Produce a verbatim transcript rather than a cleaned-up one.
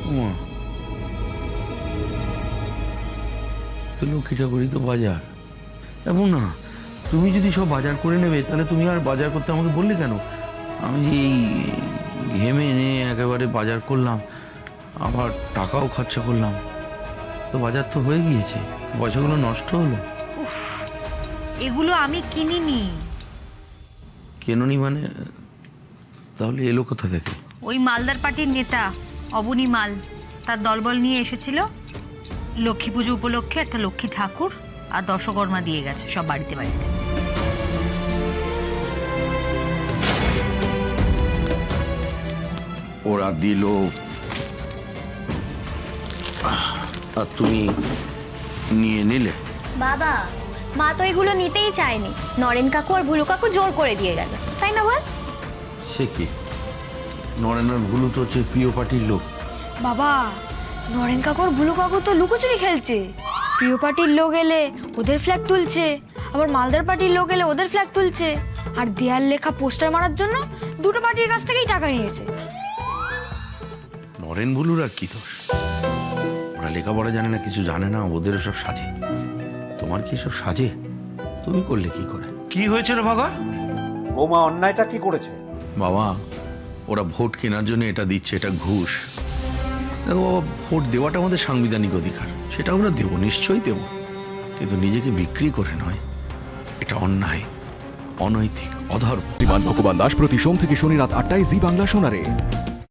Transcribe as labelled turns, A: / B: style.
A: ওমা, লক্ষ্মী ঠাকুরই তো বাজার। এমন না, তুমি যদি সব বাজার করে নেবে তাহলে তুমি আর বাজার করতে আমাকে বললে কেন? আমি যে এই ঘেমে এনে একেবারে বাজার করলাম, আবার টাকাও খরচা করলাম, তো বাজার তো হয়ে গিয়েছে, পয়সাগুলো নষ্ট হলো।
B: উফ, এগুলো আমি কিনিনি।
A: কেননি মানে? তাহলে এলো কোথা থেকে?
B: ওই মালদার পার্টির নেতা অবনী মাল তার দলবল নিয়ে এসেছিল। লক্ষ্মী পুজো উপলক্ষে একটা লক্ষ্মী ঠাকুর আর দশকর্মা দিয়ে গেছে সব বাড়িতে বাড়িতে।
A: ওরা দিল আর তুমি নিয়ে নিলে?
C: বাবা, মা তো এগুলো নিতেই চায়নি, নরেন কাকু আর ভুলু কাকু জোর করে দিয়ে গেল, তাই না বল?
A: সে কি? নরেনের ভুলু তো হচ্ছে প্রিয় পার্টির লোক।
D: বাবা, নরেন কাকু আর ভুলু কাকু তো লুকোচুরি খেলছে। প্রিয় পার্টির লোক এলে ওদের ফ্ল্যাগ তুলছে, আবার মালদার পার্টির লোক এলে ওদের ফ্ল্যাগ তুলছে, আর দেয়াল লেখা পোস্টার মারার জন্য দুটো পার্টির কাছ থেকেই টাকা নিয়েছে।
A: নরেন ভুলুর আর কি দোষ? ওরা লেখাপড়া জানে না, কিছু জানে না, ওদের সব সাজে। তোমার কি সব সাজে? তুমি করলে কি করে?
E: কি হয়েছে রে ভাগা?
F: বৌমা অন্যায়টা কি করেছে?
A: বাবা, ওরা ভোট কেনার জন্য এটা দিচ্ছে, এটা ঘুষ। দেখো বাবা, ভোট দেওয়াটা আমাদের সাংবিধানিক অধিকার, সেটা আমরা দেবো, নিশ্চয়ই দেবো, কিন্তু নিজেকে বিক্রি করে নয়। এটা অন্যায়, অনৈতিক, অধর্ম।
G: বিমান ভগবান দাস প্রতি সোম থেকে শনি রাত আটটায় জি বাংলা শোনারে।